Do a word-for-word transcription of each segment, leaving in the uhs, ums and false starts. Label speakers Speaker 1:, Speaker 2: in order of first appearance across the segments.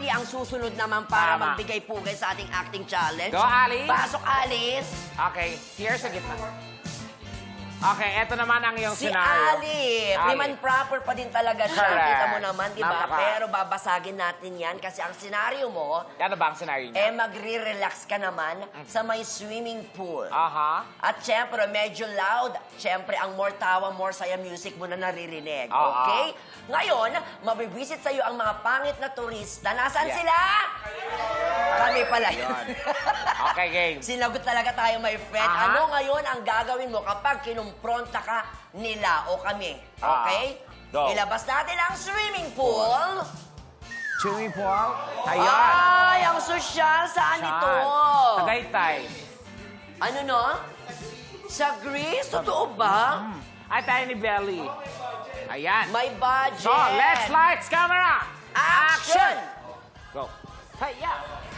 Speaker 1: Ati ang susunod naman para
Speaker 2: Tama.
Speaker 1: magbigay pugay sa ating acting challenge.
Speaker 2: Go, Alice.
Speaker 1: Pasok, Alice.
Speaker 2: Okay, here sa gitna. Okay, eto naman ang iyong
Speaker 1: Si
Speaker 2: scenario.
Speaker 1: Ali,
Speaker 2: Ali.
Speaker 1: women proper pa din talaga siya.
Speaker 2: Correct.
Speaker 1: Kita mo naman, di ba?
Speaker 2: Napaka-
Speaker 1: Pero babasagin natin yan kasi ang senaryo mo,
Speaker 2: Ano ba ang scenario
Speaker 1: eh
Speaker 2: niya?
Speaker 1: magre-relax ka naman sa may swimming pool.
Speaker 2: Aha.
Speaker 1: At syempre, medyo loud. Syempre, ang more tawa, more saya music mo na naririnig.
Speaker 2: Oo.
Speaker 1: Okay? Ngayon, mabibisit sa'yo ang mga pangit na turista. Nasaan
Speaker 2: Yeah.
Speaker 1: sila? Kami pala yun.
Speaker 2: Yun. Okay, game.
Speaker 1: Sinagot talaga tayo, my friend.
Speaker 2: Aha.
Speaker 1: Ano ngayon ang gagawin mo kapag kinumpronta ka nila o kami?
Speaker 2: Ah.
Speaker 1: Okay?
Speaker 2: Go.
Speaker 1: Ilabas natin ang swimming pool.
Speaker 2: Swimming pool. Ayan.
Speaker 1: Ay, ang sosyal. Saan ito?
Speaker 2: Tagaytay.
Speaker 1: Ano no? Sa Greece? Totoo ba?
Speaker 2: Mm. Ay, tayo ni Belly. Ayan.
Speaker 1: May budget.
Speaker 2: So, let's lights, camera.
Speaker 1: Action!
Speaker 2: Go. Hiya.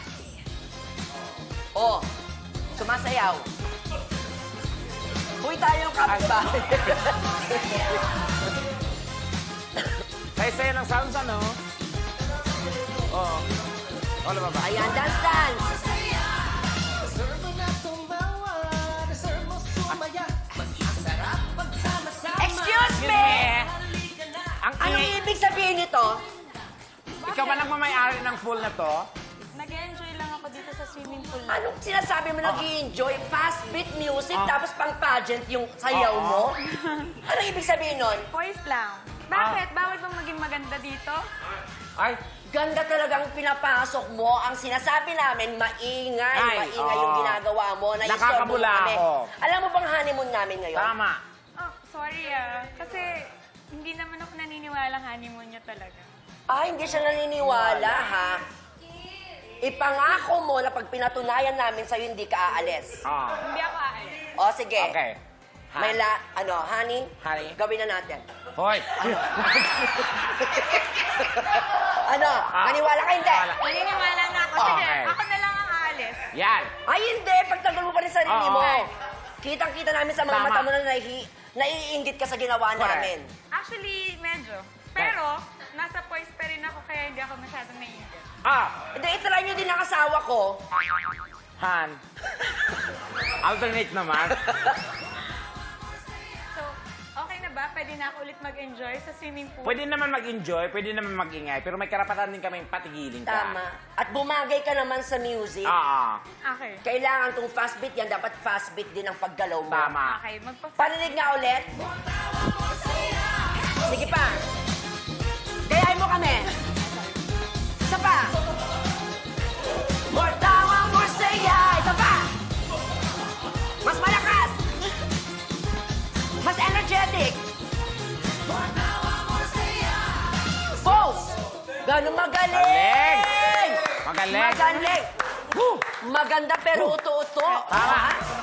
Speaker 1: Oh, sumasayaw. Uy, tayong kapitbahay.
Speaker 2: Say-say ng sounds, ano? Oo. Wala ba ba?
Speaker 1: Ayan, dance, dance. Excuse me!
Speaker 2: Ang
Speaker 1: Anong
Speaker 2: ingay.
Speaker 1: ibig sabihin nito?
Speaker 2: Ikaw ba nagmamayari ng pool na to?
Speaker 3: Nag-enjoy lang ako dito sa swimming pool. na-
Speaker 1: Anong sinasabi mo nag-i-enjoy? Fast beat music,
Speaker 2: Ah.
Speaker 1: tapos pang pageant yung sayaw
Speaker 2: Oo.
Speaker 1: mo? Anong ibig sabihin nun?
Speaker 3: Voice lang. Bakit? Bawal bang maging maganda dito?
Speaker 2: Ay,
Speaker 1: Ganda talagang pinapasok mo. Ang sinasabi namin, maingay.
Speaker 2: Ay,
Speaker 1: maingay
Speaker 2: oo.
Speaker 1: yung ginagawa mo. Na
Speaker 2: Nakakabula ako.
Speaker 1: Alam mo bang honeymoon namin ngayon?
Speaker 2: tama.
Speaker 3: Oh, sorry ah. Kasi hindi naman ako naniniwala honeymoon niya talaga.
Speaker 1: Ah, hindi siya naniniwala, ha? Ipangako mo na pag pinatunayan namin sa'yo, hindi ka aalis.
Speaker 2: Ah.
Speaker 3: Hindi ako aalis.
Speaker 1: O, sige.
Speaker 2: Okay.
Speaker 1: May la, ano, honey?
Speaker 2: Honey.
Speaker 1: Gawin na natin.
Speaker 2: Hoy.
Speaker 1: Ano? Maniwala ka, hindi?
Speaker 2: Wala.
Speaker 3: Naniniwala na ako. Sige,
Speaker 2: Okay.
Speaker 3: ako na lang ang aalis.
Speaker 2: Yan.
Speaker 1: Ay, hindi. Pagtanggol mo pa rin sarili
Speaker 2: Oo.
Speaker 1: mo. Kitang-kita namin sa mga
Speaker 2: Tama.
Speaker 1: mata mo na naihi, naiinggit ka sa ginawa
Speaker 2: Correct.
Speaker 1: namin.
Speaker 3: Actually, medyo. Pero, nasa poise pa rin ako kaya hindi ako masyadong naiinggit.
Speaker 2: Ah.
Speaker 1: Hindi, itry nyo din ang asawa ko.
Speaker 2: Han. Alternate naman.
Speaker 3: So, okay na ba? Pwede na ako ulit mag-enjoy sa swimming pool?
Speaker 2: Pwede naman mag-enjoy, pwede naman mag-ingay, pero may karapatan din kami patigilin ka.
Speaker 1: Tama. At bumagay ka naman sa music.
Speaker 2: Ah.
Speaker 3: Okay.
Speaker 1: Kailangan tong fast beat yan, dapat fast beat din ang paggalaw mo.
Speaker 2: Tama.
Speaker 3: Okay, magpa-
Speaker 1: Paninig nga ulit. Sige pa. Gayahin mo kami. Isa pa. More tawa, more saya. Isa pa. Mas malakas. Mas energetic. Pulse. Ganun magaling.
Speaker 2: Magaling. Magaling.
Speaker 1: Magaling.
Speaker 2: Woo.
Speaker 1: Maganda pero uto-uto.
Speaker 2: Tama.